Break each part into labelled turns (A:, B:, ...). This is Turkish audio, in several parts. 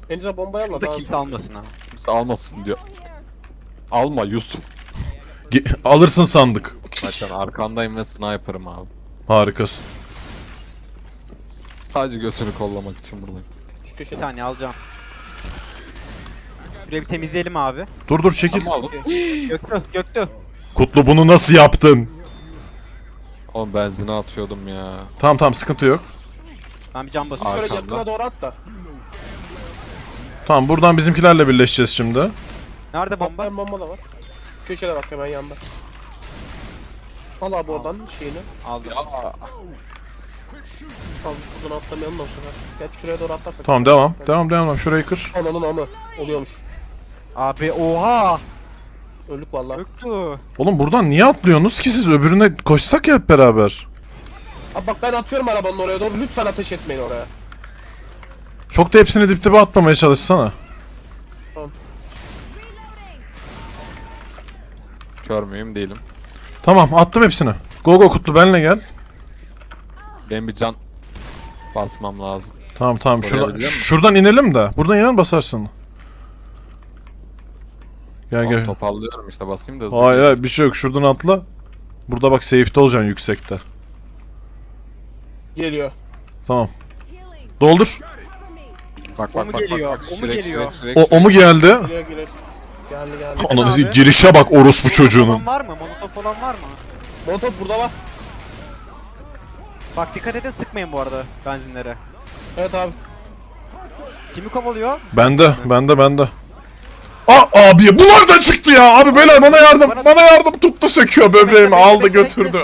A: Elinize bombayı alma.
B: Burada kimse almasın ha.
C: Kimse almasın diyor. Alma Yusuf.
D: Alırsın sandık.
C: Zaten arkandayım ve sniper'ım abi.
D: Harikasın.
C: Sadece götünü kollamak için buradayım.
A: Şu
B: Bir
A: köşede.
B: saniye alacağım. Şurayı bir temizleyelim abi.
D: Dur çekil.
C: Tamam aldım.
B: Göktü.
D: Kutlu bunu nasıl yaptın?
C: Oğlum benzini atıyordum ya.
D: Tamam sıkıntı yok.
B: Ben bir cam basıyorum.
A: Şöyle
C: Arkamda.
A: yakına doğru at da.
D: Tamam buradan bizimkilerle birleşeceğiz şimdi.
B: Nerede bomba?
A: Bomba da var. Köşede bak hemen yanda. Al abi oradan şeyini.
B: Aldım.
A: Al buradan atlamayalım da o sefer. Gel şuraya doğru atlarsak.
D: Tamam devam. Şurayı kır.
A: Ananın amı. Oluyormuş.
B: Abi oha!
A: Öldük vallahi.
B: Göktü.
D: Oğlum buradan niye atlıyorsunuz ki siz? Öbürüne koşsak ya hep beraber.
A: Abi bak ben atıyorum arabanın oraya doğru. Lütfen ateş etmeyin oraya.
D: Çok da hepsini dip dibe atmamaya çalışsana.
C: Kör müyüm değilim.
D: Tamam attım hepsini. Go Kutlu benle gel.
C: Benim bir can basmam lazım.
D: Tamam
C: Oraya
D: şuradan,
C: gidelim mi?
D: şuradan inelim de. Buradan inen basarsın. Gel.
C: Toparlıyorum işte basayım da hızlı.
D: Hayır bir şey yok, şuradan atla. Burada bak safe'de olacaksın yüksekte.
A: Geliyor.
D: Tamam. Doldur.
C: Bak
B: O mu geliyor? O mu geliyor?
D: O mu geldi?
A: Geliyor. Geldi.
D: Ananı
B: abi.
D: girişe bak orospu çocuğunun.
B: Olan var mı? Molotof olan var mı?
A: Molotov burada var.
B: Bak dikkat edin sıkmayın bu arada benzinlere.
A: Evet abi.
B: Kimi kovalıyor?
D: Bende. Abi bu nereden çıktı ya? Abi beyler bana yardım tuttu söküyor böbreğimi aldı götürdü.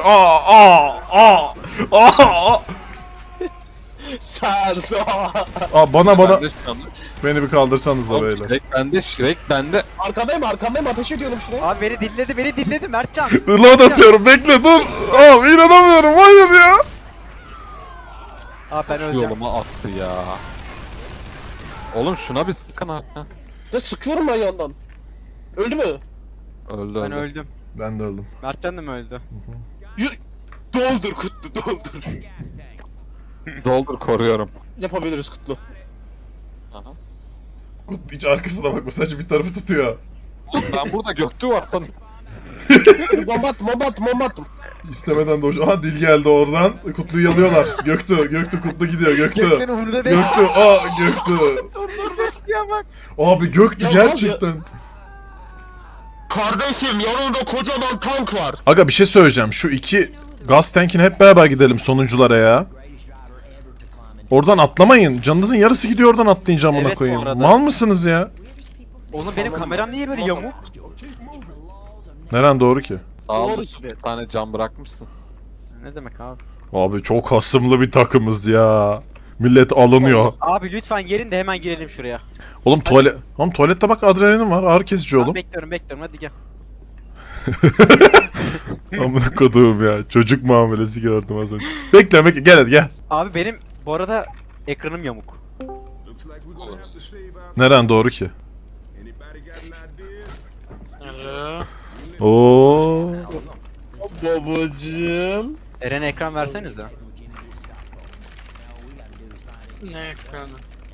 A: Sen.
D: Bana
C: Bende şu anda.
D: beni bir kaldırsanıza
C: Oğlum,
D: beyler.
C: Shrek bende.
A: Arkandayım ateş ediyorum şuraya.
B: Abi beni dinledi Mertcan.
D: Reload atıyorum bekle dur. Abi inanamıyorum hayır ya.
B: Abi ben öleceğim.
C: Yoluma attı ya. Oğlum şuna bir sıkın artık. ha.
A: Ne sıkıyorum ben yandan. Öldü mü?
C: Öldü
B: Ben
C: öldü.
B: öldüm.
D: Ben de öldüm.
B: Mertcan da mı öldü?
A: Yürü. Doldur Kutlu doldur.
C: Doldur koruyorum.
A: Yapabiliriz Kutlu.
C: Aha.
D: Kutlu hiç arkasına bakma sadece bir tarafı tutuyor.
C: Ben burada Göktü var sanırım.
A: Bomba attım.
D: İstemeden de aha dil geldi oradan. Kutlu'yu yalıyorlar. Göktü Kutlu gidiyor Göktü.
B: Gökten umurunda değil.
D: Göktü.
B: Ya bak.
D: Abi Göktü
A: Ya
D: gerçekten.
A: Kardeşim yanında kocaman tank var.
D: Aga bir şey söyleyeceğim. Şu iki gaz tankine hep beraber gidelim sonunculara ya. Oradan atlamayın. Canınızın yarısı gidiyor oradan atlayınca amına
B: Evet, bu
D: koyayım.
B: arada.
D: Mal mısınız ya?
B: Oğlum benim kameram niye böyle yamuk?
D: Neren doğru ki?
C: Sağ ol.
A: Doğru
C: Bir tane cam bırakmışsın.
B: Ne demek abi?
D: Abi çok hasımlı bir takımız ya. Millet alınıyor.
B: Abi lütfen gelin de hemen girelim şuraya.
D: Oğlum tuvalette bak adrenalin var. Ağrı kesici
B: Ben
D: oğlum.
B: bekliyorum hadi gel.
D: Amına koduğum ya. Çocuk muamelesi gördüm az önce. Bekle gel hadi gel.
B: Abi benim bu arada ekranım yamuk.
D: Neren doğru ki? Oo.
A: Babacım.
B: Eren'e ekran versenize.
A: Ne ekranı?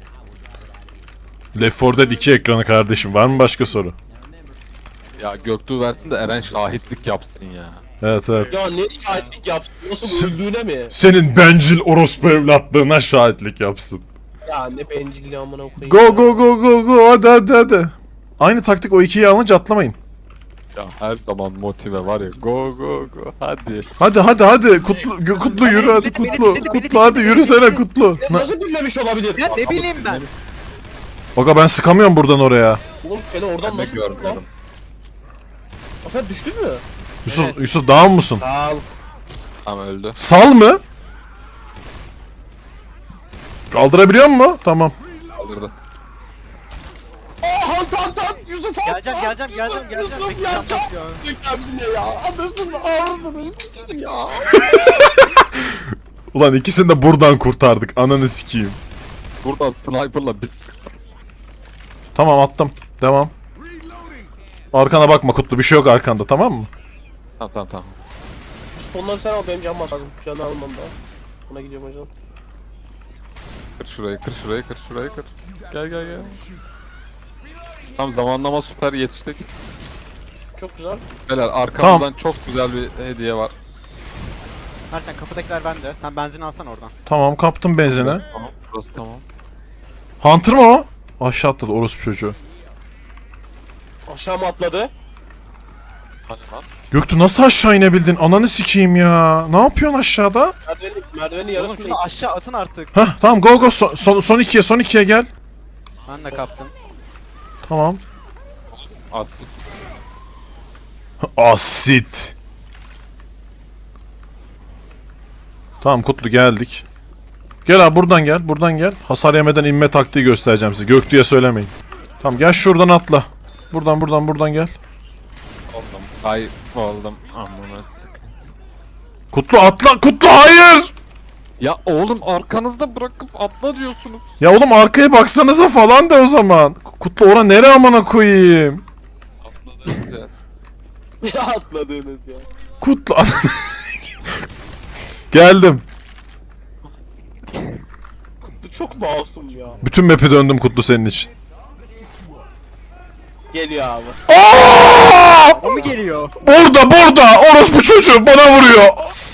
D: Left 4 Dead 2 ekranı kardeşim. Var mı başka soru?
C: Ya Göktü versin de Eren şahitlik yapsın ya.
D: Evet.
A: Ya ne şahitlik yaptın? Nasıl öldüğüne mi?
D: Senin bencil orospu evlatlığına şahitlik yapsın.
A: Ya ne bencilliği amına koyayım.
D: Go hadi. Aynı taktik o ikiyi alınca atlamayın.
C: Ya her zaman motive var ya. Go hadi.
D: Hadi Kutlu yürü hadi Kutlu hadi yürüsene Kutlu.
A: Nasıl dinlemiş olabilir?
B: Ya ne bileyim ben.
D: Aga ben sıkamıyorum buradan oraya.
A: Oğlum seni oradan
C: Ben de
A: nasıl tuttu lan?
C: görmüyorum.
A: Aferin düştün mü?
D: Yusuf down musun?
A: Al.
C: Tamam öldü.
D: Sal mı? Kaldırabiliyor mu? Tamam.
C: Kaldırdı.
A: Tan Yusuf
B: Geleceğim.
A: Yusuf
B: Peki,
A: ya
B: tamam,
A: çok
B: ya.
A: kendine ya. Anasını ağrını siktir ya.
D: Ulan ikisini de buradan kurtardık. Ananı sikeyim.
C: Buradan sniper'la bir sıktım.
D: Tamam attım. Devam. Arkana bakma Kutlu. Bir şey yok arkanda tamam mı?
C: Tamam.
A: Onları sen al benim canım lazım. Canı almam daha. Buna gidiyorum hocam.
C: Kır şurayı, kır şurayı, kır şurayı, kır. Gel gel gel. Tam zamanlama süper yetiştik.
A: Çok güzel.
C: Beyler arkamızdan çok güzel bir hediye var.
B: Ersen kapıdakiler bende. Sen benzin alsan oradan.
D: Tamam kaptım benzine.
C: Burası tamam, burası tamam.
D: Hunter mı o? Aşağı atladı orospu çocuğu.
A: Aşağı mı atladı?
C: Hani lan?
D: Göktuğ nasıl aşağı inebildin? Ananı sikeyim ya. Ne yapıyorsun aşağıda?
A: Merdiveni
B: Oğlum
A: yarısını
B: şunu aşağı atın artık.
D: Hah tamam go go son ikiye gel.
B: Ben de kaptım.
D: Tamam.
C: Asit.
D: Asit. Tamam Kutlu geldik. Gel abi buradan gel. Hasar yemeden inme taktiği göstereceğim size. Göktuğ'a söylemeyin. Tamam gel şuradan atla. Buradan gel.
C: Oldum. Kayboldum. Amına.
D: Kutlu atla. Kutlu hayır.
C: Ya oğlum arkanızda bırakıp atla diyorsunuz.
D: Ya oğlum arkaya baksanıza falan de o zaman. Kutlu ora nere amına koyayım.
C: Atladınız ya.
A: Ya atladığınız ya.
D: Kutlu Geldim.
A: Bu çok masum ya.
D: Bütün map'i döndüm Kutlu senin için.
A: Geliyor abi.
B: O mu geliyor?
D: Burada orospu çocuğu bana vuruyor.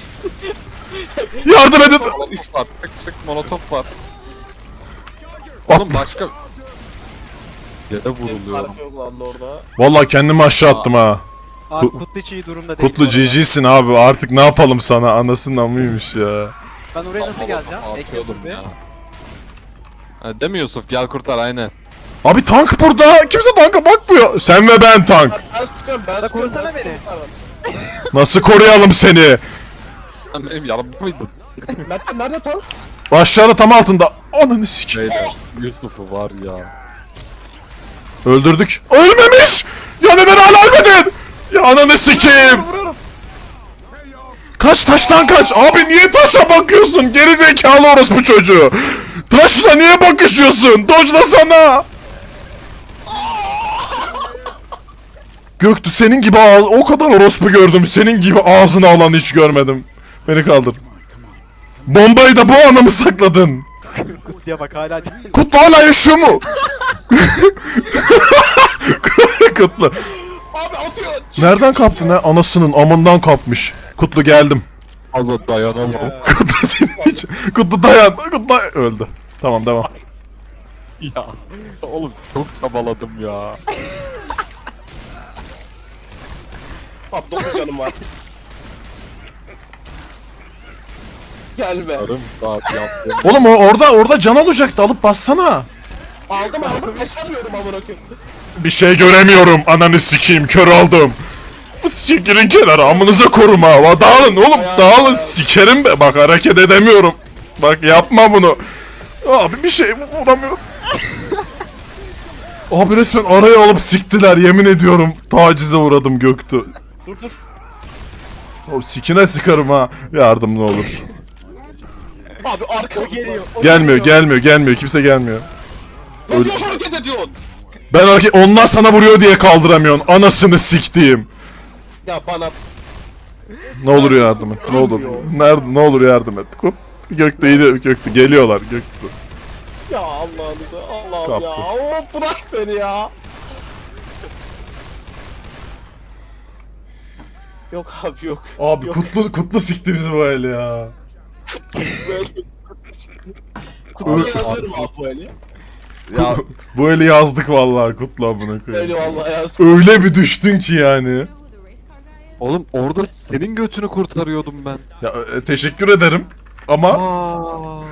D: Yardım edin.
C: Molotof var. Çık molotof var.
D: At.
C: Oğlum başka... Yere vuruluyorum.
A: Fark yok lan orada.
D: Vallahi kendimi aşağı attım ha.
B: Abi
D: Ku-
B: Kutlu hiç iyi durumda değil.
D: Kutlu
B: bu arada.
D: GG'sin abi artık ne yapalım sana anasının amıymış ya.
B: Ben oraya nasıl geleceğim?
C: Atıyordum
B: Bekle
C: ya. Ha, değil mi Yusuf? Gel kurtar aynen.
D: Abi tank burada kimse tanka bakmıyor. Sen ve ben tank.
A: Ben sıkıyorum ben
B: Da
A: sıkıyorum.
B: korusana beni.
D: Nasıl koruyalım seni?
C: Sen benim yanımda mıydın?
A: Nerede tank?
D: Aşağıda tam altında. Ananı sikeyim.
C: Beyler Yusuf'u var ya.
D: Öldürdük. Ölmemiş. Ya neden hala ölmedin? Ya ananı sikeyim.
A: Vuruyorum.
D: Kaç taştan kaç. Abi niye taşa bakıyorsun? Geri zekalı orospu çocuğu. Taşla niye bakışıyorsun? Dojla sana. Göktü senin gibi o kadar orospu gördüm. Senin gibi ağzını alan hiç görmedim. Beni kaldır. Bombayı da bu ana mı sakladın?
B: Kutlu'ya bak hala
D: Kutlu hala yaşıyor mu? Kutlu.
A: Abi atıyor.
D: Nereden kaptın ha? Anasının amından kapmış. Kutlu geldim.
C: Fazla dayanamam.
D: Kutlu senin için. Kutlu dayan. Kutlu öldü. Tamam devam.
C: Ya. Oğlum çok çabaladım ya.
A: Abi 9 canım var. Gelme.
C: Yarım saat yaptım.
D: Oğlum orada can olacaktı alıp bassana.
A: Aldım kaçamıyorum amına koyayım.
D: Bir şey göremiyorum. Ananı sikeyim kör oldum. Sikerin kenara amınıza koruma. Dağılın oğlum dağılın sikerim be. Bak hareket edemiyorum. Bak yapma bunu. Abi bir şey vuramıyorum. Abi resmen araya alıp siktiler yemin ediyorum. Tacize uğradım Göktü.
A: Dur.
D: O sikine sıkarım ha. Yardım ne olur.
A: Abi arka
B: geliyor.
D: Gelmiyor. Kimse gelmiyor.
A: Ne diyor hareket ediyorsun?
D: Ben onlar sana vuruyor diye kaldıramıyorsun. Anasını siktiğim.
A: Ya bana
D: Ne olur yardım et. Ne olur. Nerede? Ne olur yardım et. Göktü iyi Göktü geliyorlar Göktü.
A: ya Allah'ım
D: Kaptı.
A: ya. Oo, bırak beni ya. Yok abi yok.
D: Abi
A: Yok.
D: Kutlu sikti bizi bu el ya.
A: Böyle. Kutuya yazıyorum abi bu eli.
C: Ya
D: Bu eli yazdık vallahi Kutlu amına koyayım.
A: Eyvallah ya.
D: Öyle bir düştün ki yani.
C: oğlum orada senin götünü kurtarıyordum ben.
D: Ya teşekkür ederim. Ama
C: Aa.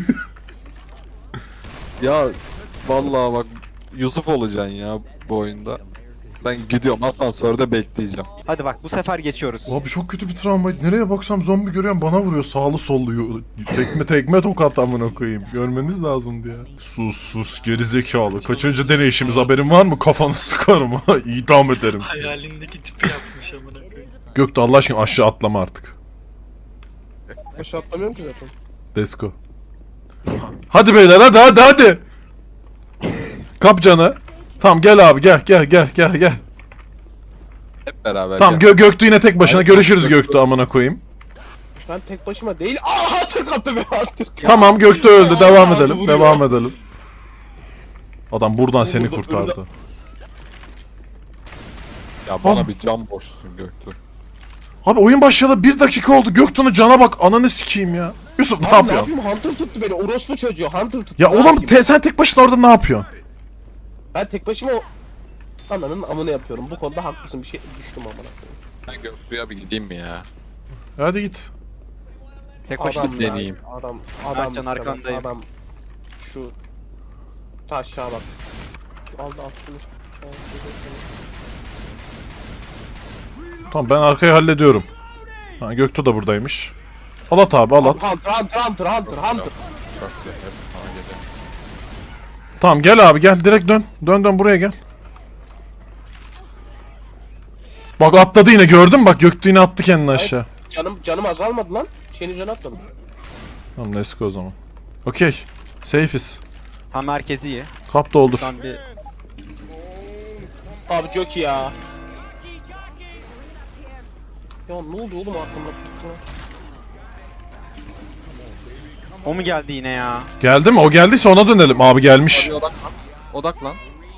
C: Ya vallahi bak Yusuf olacaksın ya bu oyunda. Ben gidiyorum asansörde bekleyeceğim.
B: Hadi bak bu sefer geçiyoruz.
D: abi çok kötü bir travmaydı. Nereye baksam zombi görüyorum bana vuruyor. Sağlı sollu. Tekme tokat amına koyayım. Görmeniz lazımdı ya. Sus gerizekalı. Kaçıncı deneyişimiz haberin var mı? Kafanı sıkarım ha. İdam ederim seni.
E: Hayalindeki tipi yapmış amına koyayım.
D: Gökte Allah aşkına aşağı atlama artık.
A: Aşağı atlamıyorum ki zaten.
D: Desko. Hadi beyler hadi. Kap canı. Tamam gel abi gel.
C: Hep beraber
D: Tamam
C: gel.
D: Göktü yine tek başına. Görüşürüz Göktü amına koyayım.
A: Ben tek başıma değil. Aa Türk attı be Türk.
D: Tamam Göktuğ öldü. Devam
A: Aa,
D: edelim.
A: vuruyor.
D: Devam edelim. Adam buradan seni
A: Burada-
D: kurtardı.
C: Ya bana bir can boşsun Göktuğ.
D: Abi oyun başlayalı 1 dakika oldu. Göktuğ'un cana bak. Ananı sikeyim ya. Yusuf ne
A: Abi ne
D: yapıyorsun?
A: yapayım? Hunter tuttu beni. Orospu çocuğu. Hunter tuttu.
D: Ya
A: Ne
D: oğlum
A: yapayım?
D: sen tek başına orada ne yapıyorsun?
A: Ben tek başıma ananın amını yapıyorum. Bu konuda haklısın. Bir şey düştüm amına koyayım.
C: Ben Göktuğ'a bir gideyim mi ya?
D: Hadi git.
B: Tek başına
A: Adam ya,
C: deneyeyim.
A: Adam
B: Ercan,
A: işte
B: arkandayım.
A: Adam şu taşa bak. Aldı attı.
D: Tamam ben arkayı hallediyorum. Ha, Göktuğ da buradaymış. Al at abi al at.
A: Hunter.
C: Çok güzel. Hepsi bana geliyor.
D: Tamam gel abi gel direkt dön. Dön buraya gel. Bak atladı yine gördün mü? Bak Göktuğ yine attı kendini aşağı.
A: Canım azalmadı lan. Senin canı atmadım.
D: Tamam let's go o zaman. Okey. Safe'iz.
B: Ha merkezi iyi.
D: Kap doldur.
B: Şuradan bir
A: Abi çok iyi ya. Ya ne oldu oğlum aklımda tuttu.
B: o mu geldi yine ya?
D: Geldi mi? O geldiyse ona dönelim. Abi gelmiş.
C: Hadi odaklan. Odaklan.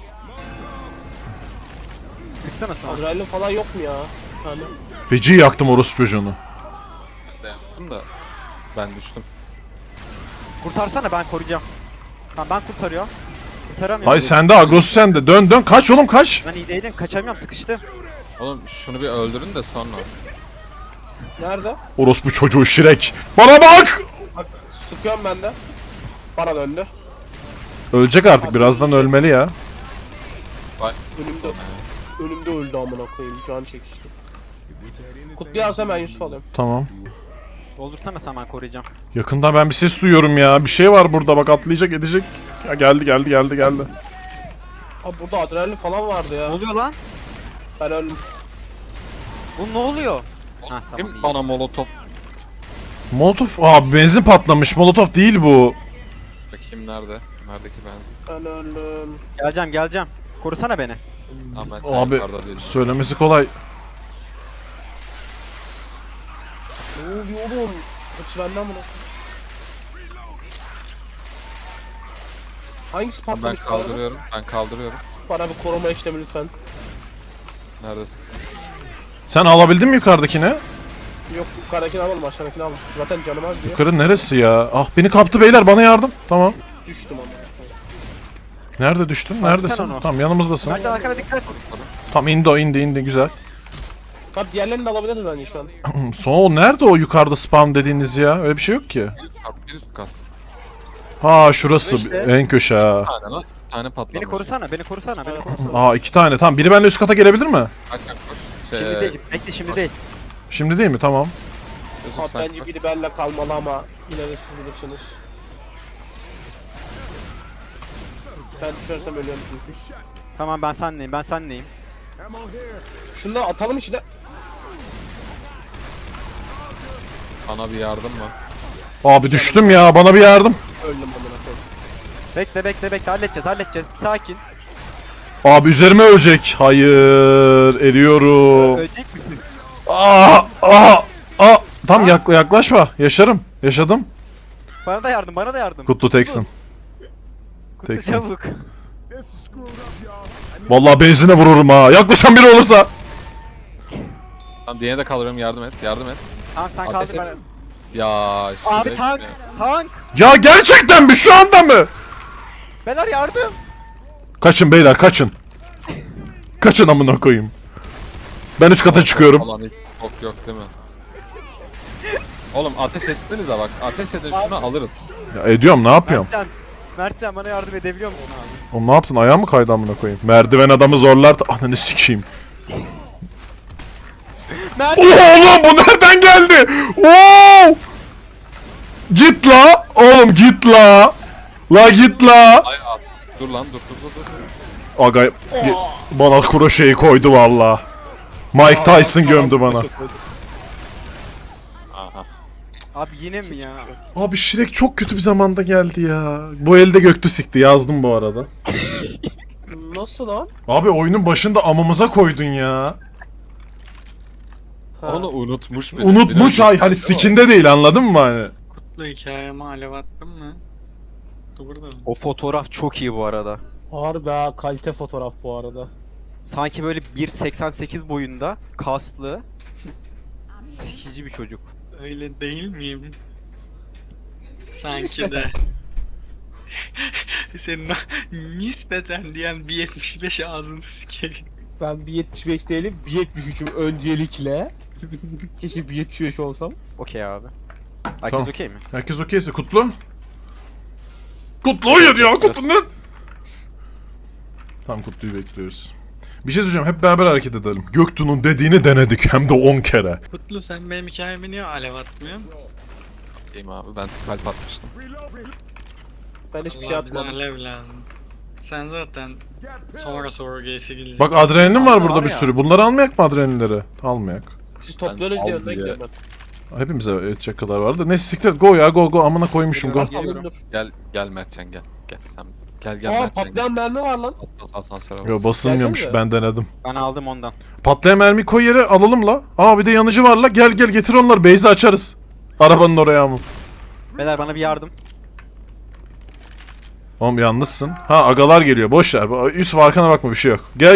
B: Sıksana sana.
A: Adrenalin falan yok mu ya? Hani
D: Feci yaktım orospu çocuğunu.
C: Ben de yaptım da ben düştüm.
B: Kurtarsana ben koruyacağım. Tamam ben kurtarıyorum. Kurtaramıyorum.
D: Hayır sende agrosu sende. Dön kaç oğlum kaç.
B: Ben iyi değilim kaçamıyorum sıkıştım.
C: Oğlum şunu bir öldürün de sonra.
A: nerede?
D: Orospu çocuğu Şirek. Bana bak.
A: Bak sıkıyorum ben de. Bana döndü.
D: Ölecek artık birazdan ölmeli ya.
C: Vay.
A: Önümde. Önümde öldü amına koyayım. Can çekişti. Kutluyu alsam ben Yusuf alayım.
D: Tamam.
B: Doldursana sen ben koruyacağım.
D: Yakından ben bir ses duyuyorum ya. Bir şey var burada bak atlayacak edecek. Ya geldi.
A: Abi burada adrenalin falan vardı
B: Ne
A: ya.
B: oluyor lan?
A: Ben öldüm.
B: Bu ne oluyor? Ha tamam
C: Kim
B: iyi.
C: bana molotof?
D: Molotof. Aa benzin patlamış. Molotof değil bu.
C: Bakayım nerede? Neredeki benzin?
A: Ben öldüm.
B: Geleceğim. Korusana beni.
C: Ama ben
D: Abi
C: yukarıda değilim.
D: söylemesi kolay.
A: Ne oluyor oğlum? Hepsi benden bunu. Hangisi
C: Ben
A: patlamış? bu arada?
C: kaldırıyorum. Ben kaldırıyorum.
A: Bana bir koruma işlemi lütfen.
C: Neredesin sen?
D: Sen alabildin mi yukarıdakini?
A: Yok yukarıdakini alalım aşağıdakini alalım. Zaten canım az diyor.
D: Yukarı neresi ya? Ah beni kaptı beyler bana yardım. Tamam.
A: Düştüm ama.
D: Nerede düştün?
B: Sen
D: Neredesin?
B: onu.
D: Tamam yanımızdasın.
B: Mercan arkana dikkat.
D: Tamam indi güzel.
A: Bak diğerlerini de alabiliriz bence şu an.
D: Sonra o nerede o yukarıda spam dediğiniz ya? Öyle bir şey yok ki.
C: Kat, bir üst kat.
D: Ha şurası
B: İşte.
D: en köşe ha.
C: Bir tane lan. Bir tane patlamış.
B: Beni korusana.
D: Aa 2 tane. Tamam biri benimle üst kata gelebilir mi?
C: Kaç koş.
B: Şimdi değil. Bekle şimdi değil.
D: Şimdi değil mi? Tamam.
C: Yusuf
A: Abi
C: sen
A: bence
C: koş.
A: biri benimle kalmalı ama yine de siz bilirsiniz. Ben düşersem ölüyorum çünkü.
B: Tamam ben senleyim.
A: Şunu da atalım içine.
C: Bana bir yardım mı?
D: Abi düştüm ya bana bir yardım.
A: Öldüm amına koyayım.
B: Bekle halledeceğiz. Sakin.
D: Abi üzerime ölecek. Hayır eriyorum.
B: Ölecek misin?
D: Tam yaklaşma. Yaşadım.
B: Bana da yardım.
D: Kutlu teksin.
B: Kutlu
D: teksin.
B: çabuk.
D: Vallahi benzine vururum ha. Yaklaşan biri olursa.
C: Tamam diğerine de kaldırıyorum yardım et.
B: Tamam sen
C: Ateş
B: kaldır
C: et.
B: ben.
C: Ya
B: Abi
C: Şirek
B: tank.
C: ya.
B: Tank.
D: Ya gerçekten mi? Şu anda mı?
B: Beyler yardım.
D: Kaçın beyler kaçın. Kaçın amına koyayım. Ben üst kata çıkıyorum.
C: Falan hiç yok değil mi? Oğlum ateş etsenize bak. Ateş edin şunu alırız.
D: Ya ediyorum ne yapıyorum?
B: Mertcan bana yardım edebiliyor musun abi?
D: Oğlum ne yaptın? Ayağım mı kaydı amına koyayım? Merdiven adamı zorlar. Ananı sikeyim. Oğlum bu nereden geldi? Oo! Git la. Oğlum git la. La git la.
C: Ay at. Dur lan dur.
D: Aga bana kroşeyi koydu valla. Mike Tyson gömdü bana.
C: Aha.
B: Abi yine mi ya?
D: Abi Shrek çok kötü bir zamanda geldi ya. Bu elde Göktü sikti yazdım bu arada.
A: Nasıl lan?
D: Abi oyunun başında amımıza koydun ya.
C: Onu unutmuş bile.
D: Unutmuş
C: Biraz-
D: hani sikinde değil, anladın mı hani?
E: Kutlu hikayeme alev attın mı? Dur burada mı?
B: O fotoğraf çok iyi bu arada.
A: Harbi ha, kalite fotoğraf bu arada.
B: Sanki böyle 1.88 boyunda, kaslı, sikici bir çocuk.
E: Öyle değil miyim? Sanki de. Senin o nispeten diyen 1.75 ağzını sikeyim.
A: Ben 1.75 değilim, 1.73'üm öncelikle. Keşke 1.75 olsam.
B: Okey abi. Herkes
D: Tamam.
B: okey mi?
D: Herkes okeyse Kutlu. Kutlu hayır ya, Kutlu ne? Tamam, Kutlu'yu bekliyoruz. Bir şey söyleyeceğim, hep beraber hareket edelim. Göktuğ'un dediğini denedik hem de 10 kere.
E: Kutlu sen benim hikayeme niye alev atmıyorsun?
C: Değil mi abi? Ben kalp atmıştım.
A: Ben hiçbir şey
E: Vallahi bize
A: atmadım.
E: alev lazım. Sen zaten sonra geçe geleceksin.
D: Bak adrenalin var burada
B: Var
D: bir
B: ya.
D: sürü. Bunları almayak mı, adrenalinleri? Almayak.
A: Siz topluyorsunuz
C: al
A: diye önden
C: diye.
A: gidiyorum ben.
D: Hepimize edecek kadar vardı. Neyse siktir et. Go ya, go amına koymuşum, go.
A: Geliyorum, dur.
C: Gel Mertcan gel. Gel sen. Gel
A: Aa,
C: Mertcan gel.
A: patlayan mermi var lan.
C: Bas asansöre bas.
D: Yo, basılmıyormuş,
A: Gelsene.
D: ben denedim.
B: Ben aldım ondan.
D: Patlayan mermi koy yere, alalım la. Aa bir de yanıcı var la. Gel getir onları, base'i açarız. Arabanın oraya mı?
B: Beyler bana bir yardım.
D: Oğlum yalnızsın. Ha agalar geliyor, boş ver. Yusuf arkana bakma, bir şey yok. Gel.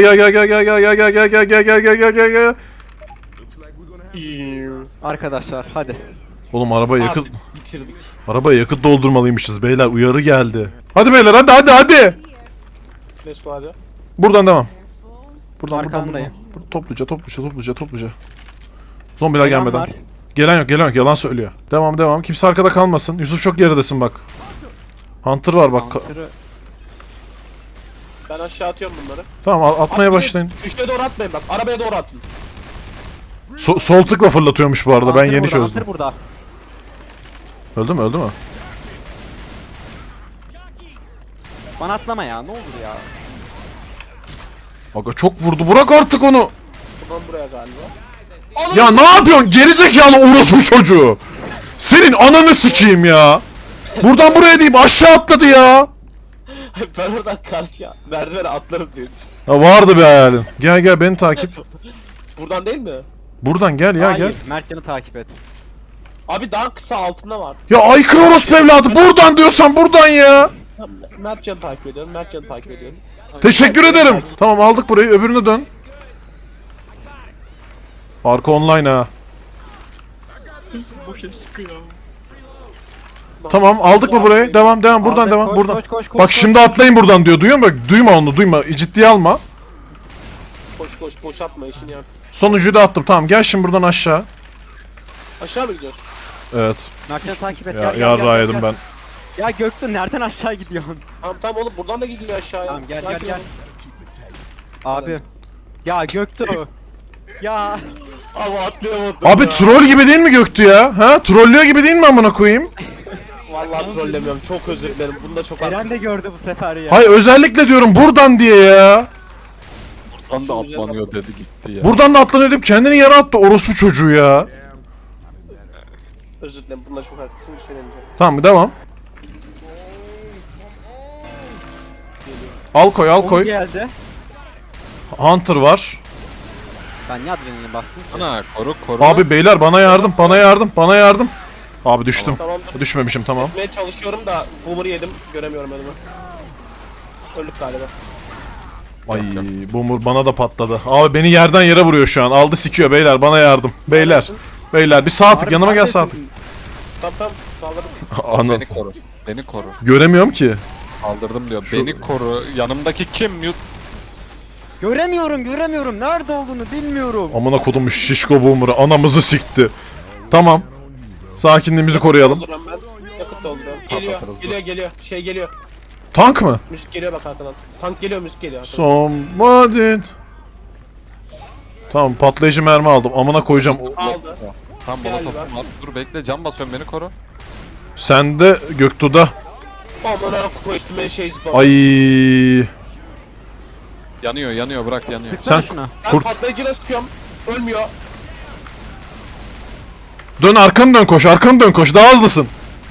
B: Arkadaşlar hadi.
D: Oğlum araba yakıt
A: Abi, bitirdik.
D: arabaya yakıt doldurmalıymışız beyler, uyarı geldi. Hadi beyler, hadi.
A: Let's go hadi.
D: Buradan devam. Buradan.
B: Arkandayım.
D: Topluca. Zombiler
B: Gelen
D: gelmeden.
B: var.
D: Gelen yok, yalan söylüyor. Devam. Kimse arkada kalmasın. Yusuf çok geridesin bak. Hunter var bak.
B: Hunter'ı-
A: Ben aşağı atıyorum bunları.
D: Tamam, atmaya başlayın.
A: Üçlüye doğru atmayın bak. Arabaya doğru atın.
D: Sol tıkla fırlatıyormuş bu arada, ben
B: Hunter
D: yeni
B: burada,
D: çözdüm.
B: Hunter burada.
D: Öldü mü?
B: Bana atlama ya, ne olur ya.
D: Aga çok vurdu, bırak artık onu.
A: Buradan buraya galiba.
D: Ya ne yapıyorsun gerizekalı orospu çocuğu? Senin ananı sikeyim ya. Buradan buraya deyip aşağı atladı ya.
A: Ben oradan karşıya merdivene atlarım diye düşündüm.
D: Ha, vardı bir hayalin. Gel beni takip.
A: Buradan değil mi?
D: Buradan gel ya,
B: Hayır,
D: gel.
B: Mertcan'ı takip et.
A: Abi daha kısa altında var.
D: Ya aykırı orospu evladı, buradan diyorsan buradan ya.
A: Tamam, Mertcan'ı takip ediyorum. Mertcan'ı takip ediyorum.
D: Teşekkür ederim. Tamam, aldık burayı, öbürüne dön. Arka online ha.
E: Boşa sıkıyor.
D: Tamam, aldık mı burayı? Devam buradan
B: Aldık,
D: devam
B: koş,
D: buradan.
B: koş,
D: Bak şimdi atlayın buradan diyor, duyuyor musun? Bak, duyma onu, ciddiye alma.
A: Koş boş atma işini yap.
D: Sonuncuyu da attım, tamam, gel şimdi buradan aşağı.
A: Aşağı mı gidiyorsun?
D: Evet,
B: Mertcan'ı takip et.
D: ya yarrağı yedim ben.
B: Ya Göktuğ nereden aşağı gidiyorsun?
A: Tamam oğlum buradan da gidiyor aşağıya.
B: Tamam gel
A: Sakin olun.
B: Abi. Ya Göktuğ. Ya.
A: Abi atlayamadım
D: Abi
A: ya.
D: troll gibi değil mi Göktü ya? Ha? Trollüyor gibi değil mi amına koyayım?
A: Vallahi trollemiyorum. Çok özür dilerim. Bunda çok
B: Eren de gördü bu sefer ya.
D: Hayır, özellikle diyorum buradan diye ya.
C: Buradan da atlanıyor dedi gitti ya.
D: Buradan da atlanıyor deyip kendini yere attı orospu çocuğu ya.
A: özür dilerim. Bunda çok haklısın. Bir şey demeyeceğim.
D: Tamam, devam. Al koy
B: Onu geldi.
D: Hunter var.
B: Ben niye adrenalin bastım?
C: Ana koru.
D: Abi beyler bana yardım. Abi düştüm.
A: Tamamdır.
D: Düşmemişim, tamam.
A: Gitmeye çalışıyorum da boomer'ı yedim. Göremiyorum önümü. Öldük galiba.
D: Ay boomer bana da patladı. Abi beni yerden yere vuruyor şu an. Aldı sikiyor beyler, bana yardım. Beyler bir sağ tık, yanıma gel sağ tık.
A: Tamam sağladım.
D: Anıl.
C: Beni koru.
D: Göremiyorum ki.
C: Kaldırdım diyor. Beni koru. Yanımdaki kim?
B: Göremiyorum. Nerede olduğunu bilmiyorum.
D: Amına kodum şişko boomer'ı anamızı sikti. Tamam. Sakinliğimizi koruyalım.
A: Dolduruyorum ben. Yakıt dolduruyorum.
C: Patlatırız,
A: Geliyor. Şey geliyor.
D: Tank mı?
A: Müzik geliyor bak arkadan. Tank geliyor, müzik geliyor. arkadan.
D: Somebody. Tamam, patlayıcı mermi aldım. Amına koyacağım.
A: Aldı.
C: Tam bana
A: Galiba.
C: topum var. Dur bekle, cam basıyorum, beni koru.
D: Sen de Göktuğ'da.
A: Amına koyduğum şey zıpladı.
D: Ay.
C: Yanıyor bırak yanıyor.
B: Tıksana
D: Sen-
B: şuna.
A: Ben
D: kurt-
A: patlayıcıyla sıkıyorum. Ölmüyor.
D: Dön arkanı dön koş. Daha hızlısın.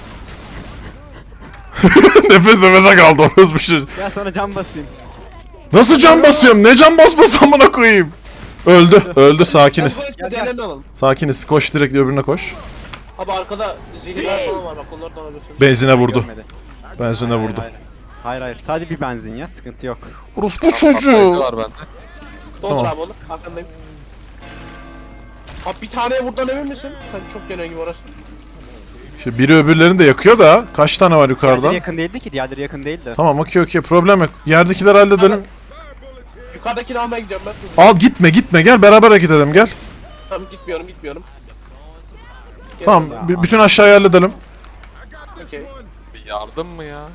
D: Nefese kaldı orası bir şey.
B: Gel sana cam basayım.
D: Nasıl can basıyorum? Ne can basması amına koyayım? Öldü sakiniz.
A: Gel gel. Alalım.
D: Sakiniz. Koş direkt öbürüne koş.
A: Abi arkada zehirler falan var bak onlardan alıyorsun.
D: Benzine vurdu.
B: Görmedi.
D: Benzine vurdu.
B: Hayır. Sadece bir benzin ya. Sıkıntı yok.
D: Orospu çocuğu.
C: Patlayıcı var bende.
A: Doldur
D: Tamam.
A: abi onu. Arkandayım. Abi bir taneye vurdan emin misin? Sen çok gelen gibi orası.
D: İşte biri öbürlerini de yakıyor da. Kaç tane var
B: Diğerleri
D: yukarıdan?
B: yakın değildi ki. Diğerleri yakın değildi.
D: Tamam okey problem yok. Yerdekileri halledelim.
A: Yukarıdakini almaya gidiyorum ben.
D: Al gitme gel beraber hareket edelim gel.
A: Tamam gitmiyorum.
D: Tamam bütün aşağıyı halledelim.
A: Okey.
C: Bir yardım mı ya?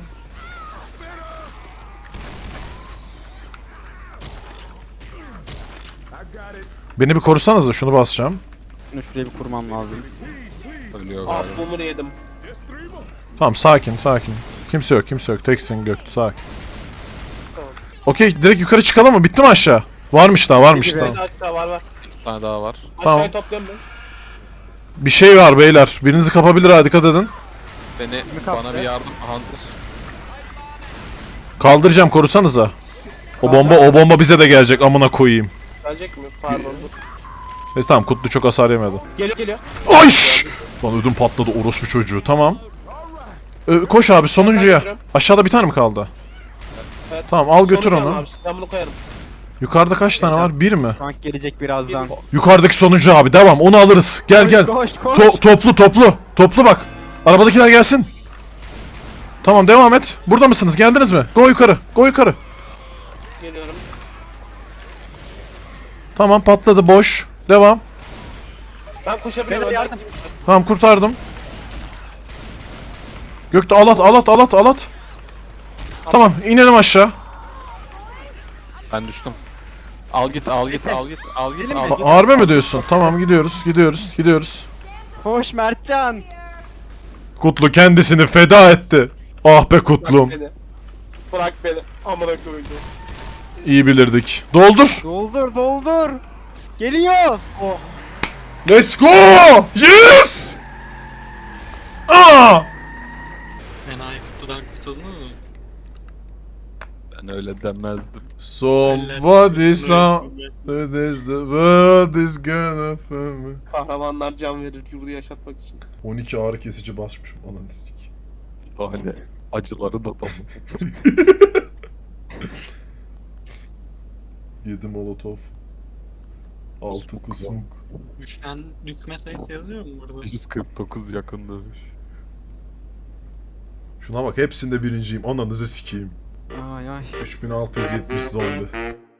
D: Beni bir korusanız da şunu basacağım.
B: Şunu şuraya bir kurmam lazım.
C: Ölüyor
A: Ah
C: galiba.
A: bumur yedim.
D: Tamam sakin. Kimse yok. Teksin Göktü sakin.
A: Tamam.
D: Okey direkt yukarı çıkalım mı? Bitti mi aşağı? Varmış daha.
A: Bir
D: Tamam.
A: daha var.
C: Bir tane daha var.
D: Tamam.
A: Aşağıya topluyorum ben.
D: Bir şey var beyler. Birinizi kapabilir ha dikkat edin.
C: Beni
B: kaptı?
C: bana bir yardım Hunter.
D: Kaldıracağım korusanıza. O bomba bize de gelecek amına koyayım.
A: Gelecek mi? Pardon dur.
D: Neyse tamam Kutlu çok hasar yemedi.
A: Geliyor.
D: Ayş! Lan ödüm patladı orospu çocuğu tamam. Koş abi sonuncuya. Aşağıda bir tane mi kaldı?
A: Evet.
D: Tamam al götür
A: Sonucu
D: onu.
A: abi, ben bunu koyarım.
D: Yukarıda kaç tane var? Bir mi?
B: Tank gelecek birazdan.
D: Yukarıdaki sonuncu abi devam onu alırız. Gel.
B: Koş.
D: Toplu bak. Arabadakiler gelsin. Tamam devam et. Burada mısınız? Geldiniz mi? Go yukarı.
A: Geliyorum.
D: Tamam patladı boş. Devam.
A: Ben koşabilirim.
B: Beyler,
A: önden
B: yardım.
A: gideyim.
D: Tamam kurtardım. Gökte alat. Tamam inelim aşağı.
C: Ben düştüm. Al git.
D: Harbi mi diyorsun? Tamam gidiyoruz.
B: Koş Mertcan.
D: Kutlu kendisini feda etti. Ah be Kutlum.
A: Bırak beni. Amına koyayım.
D: İyi bilirdik. Doldur.
B: Doldur. Geliyor. Oh.
D: Let's go. Yes. Aa!
E: Enayi kutudan kurtuldunuz mu?
C: Ben öyle demezdim.
D: Somebody is the world is gonna find me.
A: Kahramanlar can verir yurdu yaşatmak için.
D: 12 ağrı kesici basmışım analistik.
C: Hani acıları da tamam.
D: 7 molotof. 6 kusmuk.
E: Üçten düşme sayısı yazıyor mu burada?
C: 149 yakın dövüş.
D: Şuna bak hepsinde birinciyim. Ananızı sikeyim.
B: Ay.
D: 3670 zombi.